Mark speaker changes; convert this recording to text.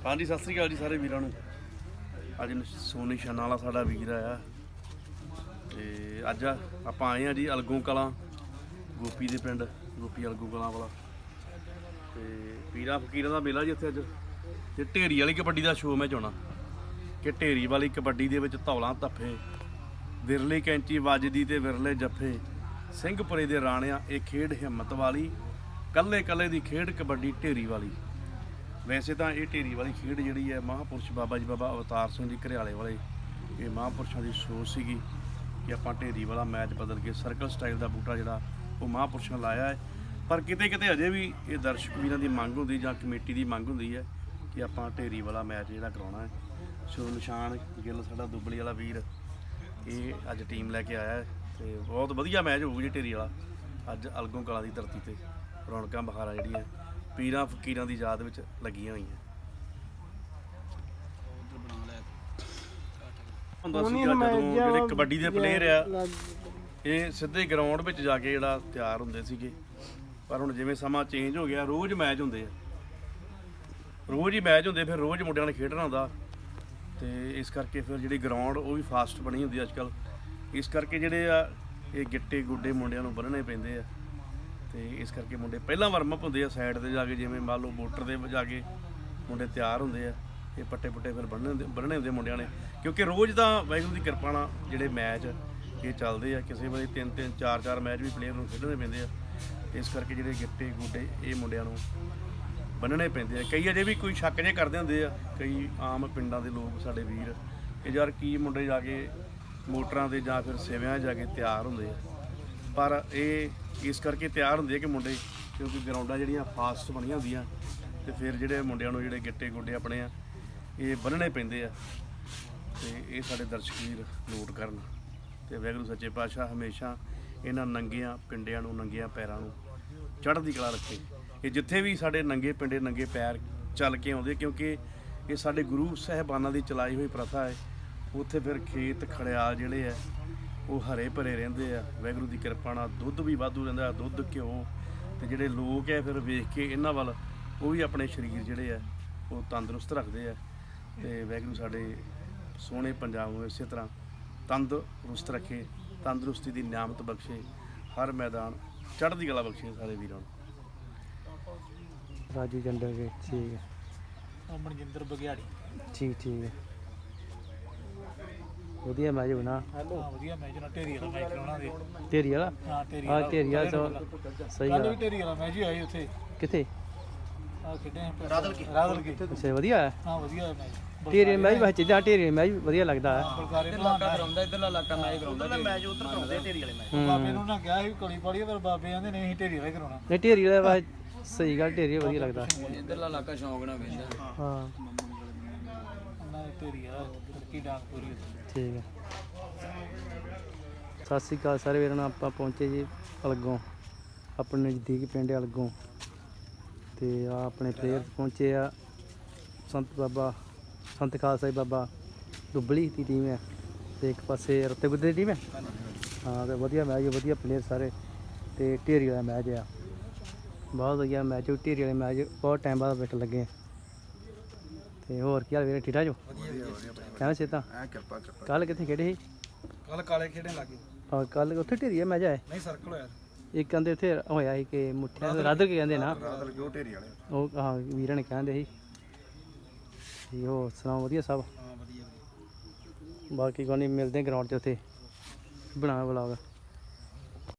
Speaker 1: हाँ जी सत श्री अकाल जी सारे वीरां नूं। अज सोनी छन्ना वाला साडा वीर आया ते अज आपां आए हैं जी अलगों कलां गोपी दे पिंड गोपी अलगों कलां वाला ते पीरां फकीरां दा मेला जी इत्थे अज ते ढेरी वाली कबड्डी दा शो मैं चाहना कि ढेरी वाली कबड्डी दे विच धौलां धप्फे विरली कैंची वजदी ते विरले जफ्फे ਸਿੰਘਪੁਰੇ ਦੇ ਰਾਣਿਆਂ ਇਹ ਖੇਡ ਹਿੰਮਤ ਵਾਲੀ ਕੱਲੇ ਕੱਲੇ ਦੀ ਖੇਡ ਕਬੱਡੀ ਢੇਰੀ ਵਾਲੀ। ਵੈਸੇ ਤਾਂ ਇਹ ਢੇਰੀ ਵਾਲੀ ਖੇਡ ਜਿਹੜੀ ਹੈ ਮਹਾਂਪੁਰਸ਼ ਬਾਬਾ ਜੀ ਬਾਬਾ ਅਵਤਾਰ ਸਿੰਘ ਜੀ ਘਰਿਆਲੇ ਵਾਲੇ ਇਹ ਮਹਾਂਪੁਰਸ਼ਾਂ ਦੀ ਸੋਚ ਸੀਗੀ ਕਿ ਆਪਾਂ ਢੇਰੀ ਵਾਲਾ ਮੈਚ ਬਦਲ ਕੇ ਸਰਕਲ ਸਟਾਈਲ ਦਾ ਬੂਟਾ ਜਿਹੜਾ ਉਹ ਮਹਾਂਪੁਰਸ਼ਾਂ ਲਾਇਆ ਹੈ। ਪਰ ਕਿਤੇ ਕਿਤੇ ਅਜੇ ਵੀ ਇਹ ਦਰਸ਼ਕ ਵੀਰਾਂ ਦੀ ਮੰਗ ਹੁੰਦੀ ਜਾਂ ਕਮੇਟੀ ਦੀ ਮੰਗ ਹੁੰਦੀ ਹੈ ਕਿ ਆਪਾਂ ਢੇਰੀ ਵਾਲਾ ਮੈਚ ਜਿਹੜਾ ਕਰਾਉਣਾ ਹੈ। ਸੋ ਨਿਸ਼ਾਨ ਗਿੱਲ ਸਾਡਾ ਦੁੱਬਲੀ ਵਾਲਾ ਵੀਰ ਇਹ ਅੱਜ ਟੀਮ ਲੈ ਕੇ ਆਇਆ ਹੈ ਤੇ ਬਹੁਤ ਵਧੀਆ ਮੈਚ ਹੋਊ ਜੀ ਢੇਰੀ ਵਾਲਾ। ਅੱਜ ਅਲਗੋਂ ਕਲਾਂ ਦੀ ਧਰਤੀ ਤੇ ਰੌਣਕਾਂ ਬਹਾਰਾਂ ਜਿਹੜੀਆਂ ਪੀਰਾਂ ਫਕੀਰਾਂ ਦੀ ਯਾਦ ਵਿੱਚ ਲੱਗੀਆਂ ਹੋਈਆਂ। ਹੁੰਦਾ ਸੀਗਾ ਜਦੋਂ ਜਿਹੜੇ ਕਬੱਡੀ ਦੇ ਪਲੇਅਰ ਆ ਇਹ ਸਿੱਧੇ ਗਰਾਊਂਡ ਵਿੱਚ ਜਾ ਕੇ ਜਿਹੜਾ ਤਿਆਰ ਹੁੰਦੇ ਸੀਗੇ, ਪਰ ਹੁਣ ਜਿਵੇਂ ਸਮਾਂ ਚੇਂਜ ਹੋ ਗਿਆ ਰੋਜ਼ ਮੈਚ ਹੁੰਦੇ ਆ, ਰੋਜ਼ ਹੀ ਮੈਚ ਹੁੰਦੇ, ਫਿਰ ਰੋਜ਼ ਮੁੰਡਿਆਂ ਨੇ ਖੇਡਣਾ ਹੁੰਦਾ ਤੇ ਇਸ ਕਰਕੇ ਫਿਰ ਜਿਹੜੀ ਗਰਾਊਂਡ ਉਹ ਵੀ ਫਾਸਟ ਬਣੀ ਹੁੰਦੀ ਅੱਜ ਕੱਲ੍ਹ। ਇਸ ਕਰਕੇ ਜਿਹੜੇ ਆ ਇਹ ਗਿੱਟੇ ਗੁੱਡੇ ਮੁੰਡਿਆਂ ਨੂੰ ਬੰਨ੍ਹਣੇ ਪੈਂਦੇ ਆ ਤੇ ਇਸ ਕਰਕੇ ਮੁੰਡੇ ਪਹਿਲਾਂ ਵਾਰਮਅਪ ਹੁੰਦੇ ਆ ਸਾਈਡ ਤੇ ਜਾ ਕੇ, ਜਿਵੇਂ ਮੰਨ ਲਓ ਮੋਟਰ ਦੇ ਜਾ ਕੇ ਮੁੰਡੇ ਤਿਆਰ ਹੁੰਦੇ ਆ, ਇਹ ਪੱਟੇ ਪੁੱਟੇ ਫਿਰ ਬੰਨ੍ਹਣੇ ਹੁੰਦੇ ਮੁੰਡਿਆਂ ਨੇ, ਕਿਉਂਕਿ ਰੋਜ਼ ਤਾਂ ਵਾਹਿਗੁਰੂ ਦੀ ਕਿਰਪਾ ਨਾਲ ਜਿਹੜੇ ਮੈਚ ਇਹ ਚੱਲਦੇ ਆ, ਕਿਸੇ ਵੇਲੇ 3-3 4-4 ਮੈਚ ਵੀ ਪਲੇਅਰ ਨੂੰ ਖੇਡਣੇ ਪੈਂਦੇ ਆ। ਇਸ ਕਰਕੇ ਜਿਹੜੇ ਗਿੱਟੇ ਗੁੱਡੇ ਇਹ ਮੁੰਡਿਆਂ ਨੂੰ ਬੰਨ੍ਹਣੇ ਪੈਂਦੇ ਆ। ਕਈ ਅਜੇ ਵੀ ਕੋਈ ਸ਼ੱਕ ਜੇ ਕਰਦੇ ਹੁੰਦੇ ਆ ਕਈ ਆਮ ਪਿੰਡਾਂ ਦੇ ਲੋਕ ਸਾਡੇ ਵੀਰ ਕਿ ਯਾਰ ਕੀ ਮੁੰਡੇ ਜਾ ਕੇ ਮੋਟਰਾਂ ਦੇ ਜਾਂ ਫਿਰ ਸਿਵਿਆਂ ਜਾ ਕੇ ਤਿਆਰ ਹੁੰਦੇ ਆ, ਪਰ ਇਹ ਇਸ ਕਰਕੇ ਤਿਆਰ ਹੁੰਦੇ ਆ ਕਿ ਮੁੰਡੇ ਕਿਉਂਕਿ ਗਰਾਊਂਡਾਂ ਜਿਹੜੀਆਂ ਫਾਸਟ ਬਣੀਆਂ ਹੁੰਦੀਆਂ ਤੇ ਫਿਰ ਜਿਹੜੇ ਮੁੰਡਿਆਂ ਨੂੰ ਜਿਹੜੇ ਗਿੱਟੇ ਗੁੱਡੇ ਆਪਣੇ ਆ ਇਹ ਬੰਨ੍ਹਣੇ ਪੈਂਦੇ ਆ ਤੇ ਇਹ ਸਾਡੇ ਦਰਸ਼ਕ ਵੀਰ ਨੋਟ ਕਰਨ ਤੇ ਵਾਹਿਗੁਰੂ ਸੱਚੇ ਪਾਤਸ਼ਾਹ ਹਮੇਸ਼ਾ ਇਹਨਾਂ ਨੰਗਿਆਂ ਪਿੰਡਿਆਂ ਨੂੰ ਨੰਗਿਆਂ ਪੈਰਾਂ ਨੂੰ ਚੜ੍ਹਦੀ ਕਲਾ ਰੱਖੇ। ਇਹ ਜਿੱਥੇ ਵੀ ਸਾਡੇ ਨੰਗੇ ਪਿੰਡੇ ਨੰਗੇ ਪੈਰ ਚੱਲ ਕੇ ਆਉਂਦੇ, ਕਿਉਂਕਿ ਇਹ ਸਾਡੇ ਗੁਰੂ ਸਾਹਿਬਾਨਾਂ ਦੀ ਚਲਾਈ ਹੋਈ ਪ੍ਰਥਾ ਹੈ। ਉੱਥੇ ਫਿਰ ਖੇਤ ਖੜਿਆਲ ਜਿਹੜੇ ਆ ਉਹ ਹਰੇ ਭਰੇ ਰਹਿੰਦੇ ਆ, ਵਾਹਿਗੁਰੂ ਦੀ ਕਿਰਪਾ ਨਾਲ ਦੁੱਧ ਵੀ ਵਾਧੂ ਰਹਿੰਦਾ, ਦੁੱਧ ਘਿਓ, ਤੇ ਜਿਹੜੇ ਲੋਕ ਆ ਫਿਰ ਵੇਖ ਕੇ ਇਹਨਾਂ ਵੱਲ ਉਹ ਵੀ ਆਪਣੇ ਸਰੀਰ ਜਿਹੜੇ ਆ ਉਹ ਤੰਦਰੁਸਤ ਰੱਖਦੇ ਆ ਤੇ ਵਾਹਿਗੁਰੂ ਸਾਡੇ ਸੋਹਣੇ ਪੰਜਾਬ ਨੂੰ ਇਸੇ ਤਰ੍ਹਾਂ ਤੰਦਰੁਸਤ ਰੱਖੇ, ਤੰਦਰੁਸਤੀ ਦੀ ਨਿਆਮਤ ਬਖਸ਼ੇ, ਹਰ ਮੈਦਾਨ ਚੜ੍ਹਦੀ ਕਲਾ ਬਖਸ਼ੇ ਸਾਰੇ ਵੀਰਾਂ ਨੂੰ।
Speaker 2: ਰਾਜੂ ਜੰਡਰ ਕੇ ਠੀਕ ਹੈ,
Speaker 3: ਮਨਜਿੰਦਰ ਬਗਿਆੜੀ
Speaker 2: ਠੀਕ ਹੈ, ਵਧੀਆ ਮੈਚ ਹੋਣਾ।
Speaker 3: ਵਧੀਆ ਮੈਚ ਨਾਲ ਢੇਰੀ ਵਾਲਾ ਮੈਚ ਕਰਾਉਣਾ ਦੇ
Speaker 2: ਢੇਰੀ ਵਾਲਾ,
Speaker 3: ਹਾਂ ਢੇਰੀ
Speaker 2: ਵਾਲਾ ਸਹੀ
Speaker 3: ਕੱਲ
Speaker 2: ਗੱਲ।
Speaker 3: ਵੀ ਢੇਰੀ ਵਾਲਾ ਮੈਚ ਹੀ ਆਇਆ ਉੱਥੇ,
Speaker 2: ਕਿੱਥੇ
Speaker 3: ਆ ਖੇਡੇ ਰਾਦਲ ਕੇ
Speaker 2: ਅੱਛਾ ਵਧੀਆ ਹੈ।
Speaker 3: ਹਾਂ ਵਧੀਆ ਮੈਚ
Speaker 2: ਢੇਰੀ ਮੈਚ ਵਿੱਚ ਜਿੱਦਾਂ ਢੇਰੀ ਮੈਚ ਵਧੀਆ ਲੱਗਦਾ ਹੈ।
Speaker 3: ਬਲਕਾਰੇ ਇਲਾਕਾ ਕਰਾਉਂਦਾ, ਇਧਰਲਾ ਇਲਾਕਾ ਮੈਚ ਕਰਾਉਂਦਾ, ਉਧਰਲਾ ਮੈਚ ਉਧਰ ਕਰਾਉਂਦੇ ਢੇਰੀ ਵਾਲੇ ਮੈਚ। ਬਾਬੇ ਨੂੰ ਨਾ ਕਿਹਾ ਸੀ ਕਲੀ ਪਾੜੀ, ਪਰ ਬਾਬੇ ਕਹਿੰਦੇ ਨਹੀਂ ਅਸੀਂ ਢੇਰੀ ਵਾਲਾ ਕਰਾਉਣਾ।
Speaker 2: ਨਹੀਂ ਢੇਰੀ ਵਾਲਾ ਸਹੀ ਗੱਲ, ਢੇਰੀ ਵਧੀਆ ਲੱਗਦਾ
Speaker 3: ਇਧਰਲਾ ਇਲਾਕਾ ਸ਼ੌਂਕ ਨਾਲ ਵੇਖਦਾ।
Speaker 2: ਹਾਂ
Speaker 3: ਉਹਨਾਂ ਦੇ ਢੇਰੀ ਵਾਲਾ ਤਰੱਕੀ ਡਾਂਗ ਪੂਰੀ
Speaker 2: ਠੀਕ ਹੈ। ਸਤਿ ਸ਼੍ਰੀ ਅਕਾਲ ਸਾਰੇ ਵੀਰਾਂ ਨੂੰ। ਆਪਾਂ ਪਹੁੰਚੇ ਜੀ ਅਲਗੋਂ, ਆਪਣੇ ਨਜ਼ਦੀਕ ਪਿੰਡ ਅਲਗੋਂ, ਤੇ ਆ ਆਪਣੇ ਪਲੇਅਰ ਪਹੁੰਚੇ ਆ। ਸੰਤ ਖਾਲਸਾ ਜੀ ਬਾਬਾ ਦੁੱਬਲੀ ਦੀ ਟੀਮ ਹੈ ਤੇ ਇੱਕ ਪਾਸੇ ਰੱਤੇ ਗੁੱਦੇ ਦੀ ਟੀਮ ਹੈ। ਹਾਂ ਤੇ ਵਧੀਆ ਮੈਚ, ਵਧੀਆ ਪਲੇਅਰ ਸਾਰੇ, ਤੇ ਢੇਰੀ ਵਾਲਾ ਮੈਚ ਆ, ਬਹੁਤ ਵਧੀਆ ਮੈਚ। ਢੇਰੀ ਵਾਲੇ ਮੈਚ ਬਹੁਤ ਟਾਈਮ ਬਾਅਦ ਵੇਖਣ ਲੱਗੇ ਤੇ ਹੋਰ ਕੀ ਹਾਲ ਵੀਰੇ, ਠੀਕ ਠਾਕ ਜੋ? ਕਹਿੰਦਾ ਸੇਤਾ ਕੱਲ ਕਿੱਥੇ ਖੇਡੇ ਸੀ?
Speaker 3: ਕੱਲ ਕਾਲੇ ਖੇਡਣ ਲੱਗੇ।
Speaker 2: ਹਾਂ ਕੱਲ ਉੱਥੇ ਢੇਰੀ ਮੈਚ ਆਇਆ
Speaker 3: ਨਹੀਂ ਸਰਕਲ ਹੋਇਆ
Speaker 2: ਇੱਕ, ਕਹਿੰਦੇ ਉੱਥੇ ਹੋਇਆ ਸੀ ਕਿ ਮੁੱਠਿਆਂ ਦੇ ਰਾਧਲ ਕੇ ਕਹਿੰਦੇ ਨਾ,
Speaker 3: ਰਾਦਲ ਕੇ ਉਹ ਢੇਰੀ ਵਾਲੇ।
Speaker 2: ਉਹ ਹਾਂ ਵੀਰਾਂ ਨੇ ਕਹਿੰਦੇ ਸੀ ਜੀ। ਹੋਰ ਸੁਣਾਓ ਵਧੀਆ ਸਭ?
Speaker 3: ਹਾਂ ਵਧੀਆ।
Speaker 2: ਬਾਕੀ ਕੋਈ ਨਹੀਂ, ਮਿਲਦੇ ਗਰਾਊਂਡ 'ਚ ਉੱਥੇ ਬਣਾ ਵਲੌਗ।